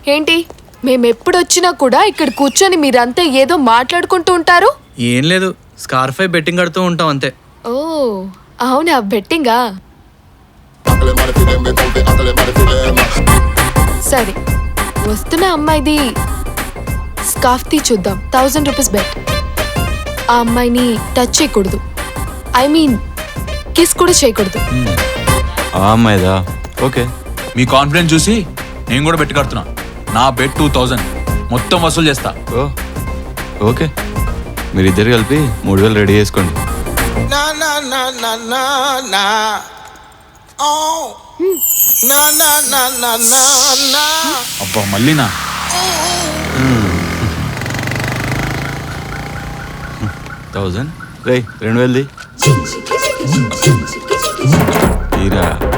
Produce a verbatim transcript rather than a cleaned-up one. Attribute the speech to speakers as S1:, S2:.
S1: ఏంటి మేమెప్పుడు వచ్చినా కూడా ఇక్కడ కూర్చొని మీరంతా ఏదో మాట్లాడుకుంటూ ఉంటారు?
S2: ఏం లేదు, స్కార్ఫై బెట్టింగ్ కడుతూ ఉంటాం అంతే.
S1: ఓ అవునా, బెట్టింగా? సరే, వస్తున్న అమ్మాయిది స్కార్ఫ్ తీ చూద్దాం. Thousand rupees bet. ఆ అమ్మాయిని టచ్ చేయకూడదు, ఐ మీన్ కిస్ కూడా చేయకూడదు.
S3: ఆ అమ్మాయిదా? ఓకే.
S4: మీ కాన్ఫిడెన్స్ చూసి నేను కూడా బెట్ కడుతున్నా. నా బెట్ టూ థౌజండ్ మొత్తం వసూలు చేస్తా.
S3: ఓ ఓకే, మీరిద్దరు కలిపి మూడు వేలు రెడీ చేసుకోండి.
S4: అబ్బా మళ్ళీనా?
S3: థౌజండ్ రే, రెండు వేలది తీరా.